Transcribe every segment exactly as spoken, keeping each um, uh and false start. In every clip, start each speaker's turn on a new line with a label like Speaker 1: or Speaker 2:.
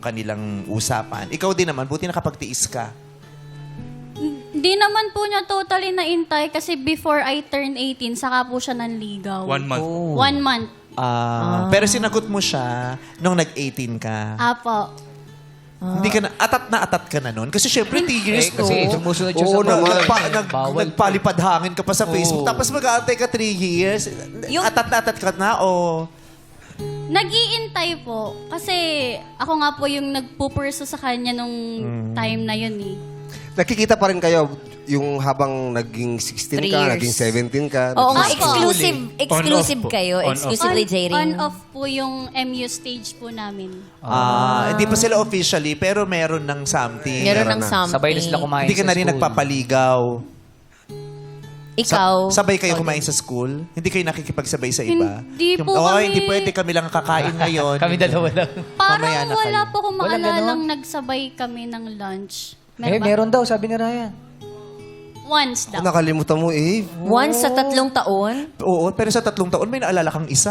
Speaker 1: kanilang usapan. Ikaw din naman, buti nakapagtiis ka.
Speaker 2: Hindi naman po niya totally naintay kasi before I turn eighteen, saka po siya nanligaw.
Speaker 3: One month.
Speaker 2: One month.
Speaker 1: Ah, Pero sinagot mo siya nung nag-eighteen ka.
Speaker 2: Apo.
Speaker 1: Hindi ka na, atat na atat ka na nun. Kasi syempre, three years,
Speaker 4: Eh, kasi
Speaker 1: no?
Speaker 4: sumusunod siya
Speaker 1: Oo,
Speaker 4: sa
Speaker 1: nag-
Speaker 4: bawal.
Speaker 1: nagpa- nag,
Speaker 4: Bawal.
Speaker 1: nagpalipad hangin ka pa sa Facebook.
Speaker 4: Oo.
Speaker 1: Tapos mag-aantay ka three years.
Speaker 5: Yung-
Speaker 1: Atat na atat ka na, o...
Speaker 2: Nag-iintay po. Kasi ako nga po yung nagpupurso sa kanya nung time na yun eh.
Speaker 6: Nakikita pa rin kayo yung habang naging sixteen
Speaker 5: Three
Speaker 6: ka,
Speaker 5: years.
Speaker 6: naging seventeen ka.
Speaker 5: Oo nga,
Speaker 6: naging-
Speaker 5: exclusive, exclusive
Speaker 3: On-off po.
Speaker 5: kayo.
Speaker 3: On-off.
Speaker 5: Exclusively
Speaker 2: On,
Speaker 5: dating.
Speaker 2: on off po yung M U stage po namin.
Speaker 1: Ah, hindi pa sila officially, pero meron ng something.
Speaker 5: Meron ng
Speaker 6: na.
Speaker 5: something.
Speaker 4: Sabay na sila kumain
Speaker 1: Hindi ka
Speaker 4: sa
Speaker 1: na rin
Speaker 4: school.
Speaker 1: nagpapaligaw.
Speaker 5: Ikaw.
Speaker 1: Sa- sabay kayo kumain sa school? Hindi kayo nakikipagsabay sa iba?
Speaker 2: Hindi po
Speaker 1: oh,
Speaker 2: kami-
Speaker 1: hindi pwede, kami lang kakain ngayon.
Speaker 4: Kami dalawa lang.
Speaker 2: Parang
Speaker 1: Mamaya na
Speaker 2: wala
Speaker 1: kayo.
Speaker 2: po kung
Speaker 4: Walang
Speaker 2: maalalang
Speaker 4: ganon?
Speaker 2: nagsabay kami ng lunch.
Speaker 4: Eh,
Speaker 2: ba?
Speaker 4: meron daw, sabi ni Ryan.
Speaker 2: Once daw.
Speaker 6: Kung nakalimutan mo, eh.
Speaker 5: Once sa tatlong taon.
Speaker 1: Oo, pero sa tatlong taon may naalala kang isa.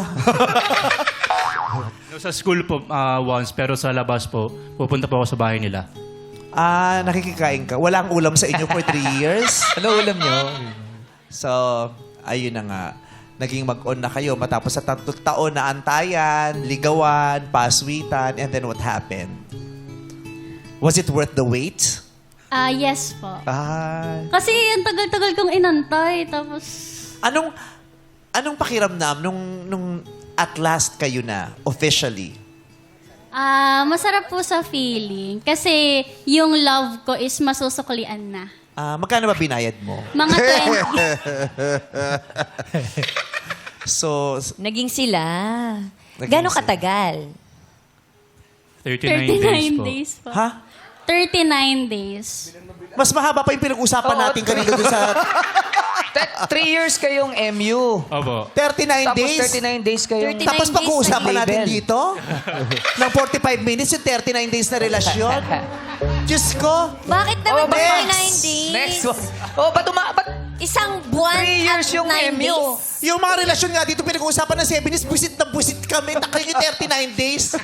Speaker 3: No, sa school po ah, once, pero sa labas po, pupunta po ako sa bahay nila.
Speaker 1: Ah, nakikikain ka. Walang ulam sa inyo for three years.
Speaker 4: Ano ulam niyo?
Speaker 1: So, ayun na nga. Naging mag-on na kayo matapos sa tatlong taon na antayan, ligawan, paswitan, and then what happened? Was it worth the wait?
Speaker 2: Ah, yes po.
Speaker 1: Ah,
Speaker 2: Kasi ang tagal-tagal kong inantay. Tapos,
Speaker 1: anong anong pakiramdam nung nung at last kayo na officially?
Speaker 2: ah, masarap po sa feeling. Kasi yung love ko is masusuklian na.
Speaker 1: Ah, magkano ba binayad mo?
Speaker 2: Mga twenty.
Speaker 1: So, s-
Speaker 5: Naging sila.
Speaker 1: Naging
Speaker 5: Gano'ng
Speaker 1: sila.
Speaker 5: katagal?
Speaker 3: thirty-nine,
Speaker 2: thirty-nine
Speaker 3: days po.
Speaker 2: days po.
Speaker 1: ha?
Speaker 2: thirty-nine days.
Speaker 1: Mas mahaba pa yung pinag-usapan
Speaker 4: Oo,
Speaker 1: natin kanina doon sa
Speaker 4: Te- Three years kayong M U.
Speaker 3: Opo.
Speaker 1: thirty-nine
Speaker 4: Tapos
Speaker 1: days.
Speaker 4: thirty-nine days kayong...
Speaker 5: thirty-nine
Speaker 1: Tapos
Speaker 5: days
Speaker 1: pag-uusapan
Speaker 4: na
Speaker 1: natin
Speaker 4: label.
Speaker 1: dito ng forty-five minutes yung thirty-nine days na relasyon. Diyos ko.
Speaker 5: Bakit naman
Speaker 4: Oh,
Speaker 5: ba
Speaker 1: next.
Speaker 5: forty-nine days?
Speaker 4: Next one. Oh, ba't uma... Ba't
Speaker 5: Isang buwan
Speaker 4: Three years
Speaker 5: at
Speaker 4: yung
Speaker 5: nine
Speaker 4: M U.
Speaker 5: days.
Speaker 1: Yung mga relasyon nga dito pinag-uusapan ng seven days, busit na busit kami. Nakayo yung thirty-nine days.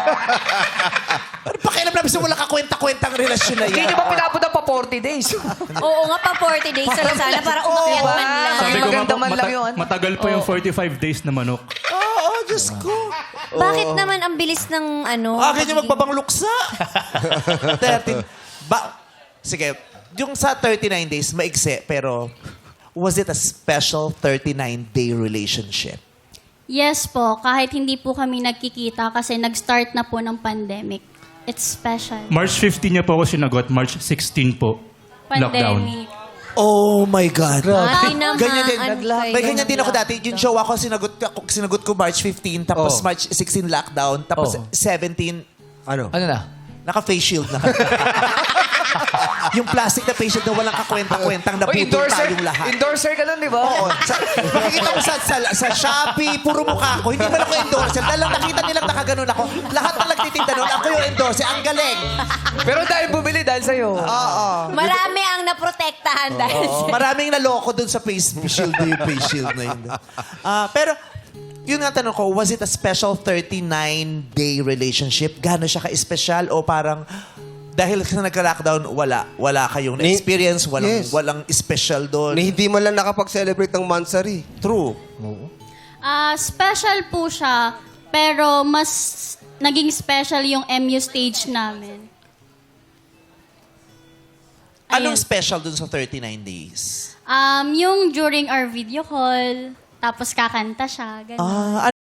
Speaker 1: Ano pa kailan namin sa wala kakwenta-kwentang relasyon na
Speaker 4: hindi
Speaker 1: yan?
Speaker 4: nyo ba pinapunta pa forty days?
Speaker 5: Oo nga pa, forty days na lang sana para umakyat
Speaker 4: diba?
Speaker 5: man lang.
Speaker 4: Sabi
Speaker 3: Sabi ko
Speaker 4: maganda
Speaker 3: nga po,
Speaker 4: man lang
Speaker 3: mata-
Speaker 4: yun.
Speaker 3: matagal po yung forty-five days na manok.
Speaker 1: Oo, Diyos ko.
Speaker 5: Bakit naman ang bilis ng ano?
Speaker 1: Akin yung
Speaker 5: pagiging-
Speaker 1: magbabang luksa. thirteen. Ba, sige, yung sa thirty-nine days, maigse, pero was it a special thirty-nine day relationship?
Speaker 2: Yes po, kahit hindi po kami nagkikita kasi nag-start na po ng pandemic. It's special.
Speaker 3: March fifteenth niya po ako sinagot, March sixteenth po, lockdown.
Speaker 2: Pandemic.
Speaker 1: Oh my God.
Speaker 5: Ay, naman.
Speaker 1: Ganyan din.
Speaker 5: Nagla-
Speaker 1: May ganyan din ako dati. Yung show ako, sinagot, ako, sinagot ko March fifteenth, tapos
Speaker 4: Oh.
Speaker 1: March sixteenth lockdown, tapos
Speaker 4: Oh.
Speaker 1: seventeen,
Speaker 6: Ano?
Speaker 4: Ano na?
Speaker 1: naka-face shield na. Yung plastic na face shield na walang kakwenta-kwentang
Speaker 4: Oh,
Speaker 1: naputol
Speaker 4: endorser.
Speaker 1: tayong lahat.
Speaker 4: Endorser ka nun, di ba?
Speaker 1: Oo. Sa, makikita mo sa, sa, sa Shopee, puro mukha ko. Hindi man ako endorser. Dahil lang nakita nilang nakaganon ako. Lahat na nagtitinda nun, ako yung endorser. Ang galing.
Speaker 4: Pero dahil bumili dahil sa'yo.
Speaker 1: Oo.
Speaker 5: Marami ang naprotektahan dahil
Speaker 1: Oo. Maraming naloko dun sa face shield na yung face shield na yun. Ah, pero, yun nga tanong ko, was it a special thirty-nine day relationship? Gano'n siya ka-special? O parang, dahil sa nagka-lockdown, wala. Wala kayong
Speaker 6: Ni-
Speaker 1: experience, walang,
Speaker 6: Yes.
Speaker 1: walang special doon.
Speaker 6: Na hindi man lang nakapag-celebrate ng Mansari.
Speaker 1: True.
Speaker 2: Ah, special po siya, pero mas naging special yung M U stage namin.
Speaker 1: Anong
Speaker 2: Ayun.
Speaker 1: special dun sa thirty-nine days?
Speaker 2: Um, yung during our video call, tapos kakanta siya, ganun.
Speaker 1: Ah,